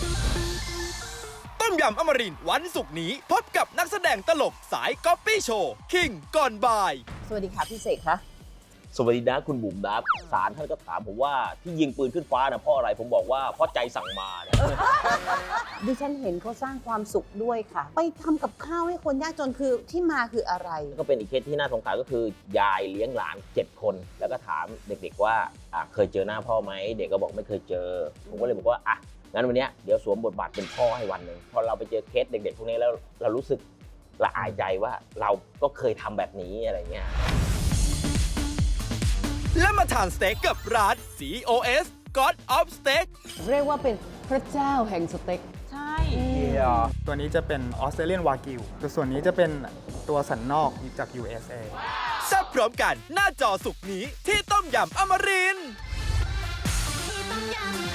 ต้มยำอมรินทร์วันศุกร์นี้พบกับนักแสดงตลกสายก๊อปปี้โชว์คิงก่อนบ่ายสวัสดีค่ะพี่เสกคะสวัสดีนะคุณบุ๋มนะศาลท่านก็ถามผมว่าที่ยิงปืนขึ้นฟ้านะเพราะอะไรผมบอกว่าเพราะใจสั่งมาเนี่ยดิฉันเห็นเขาสร้างความสุขด้วยค่ะ ไปทำกับข้าวให้คนยากจนคือที่มาคืออะไรก็เป็นอีกเคสที่น่าสงสารก็คือยายเลี้ยงหลาน 7 คน แล้วก็ถามเด็กๆว่าเคยเจอหน้าพ่อไหมเด็กก็บอกไม่เคยเจอ ผมก็เลยบอกว่างั้นวันนี้เดี๋ยวสวมบทบาทเป็นพ่อให้วันหนึ่งพอเราไปเจอเคสเด็กๆพวกนี้แล้วเรารู้สึกละอายใจว่าเราก็เคยทำแบบนี้อะไรเงี้ยและมาทานสเต็กกับร้าน GOS God of Steak เรียกว่าเป็นพระเจ้าแห่งสเต็กใช่ตัวนี้จะเป็นออสเตรเลียนวากิวตัวส่วนนี้จะเป็นตัวสันนอกจาก USA แซ่บพร้อมกันหน้าจอสุกร์นี้ที่ต้มยำอมรินทร์ที่ต้มยำ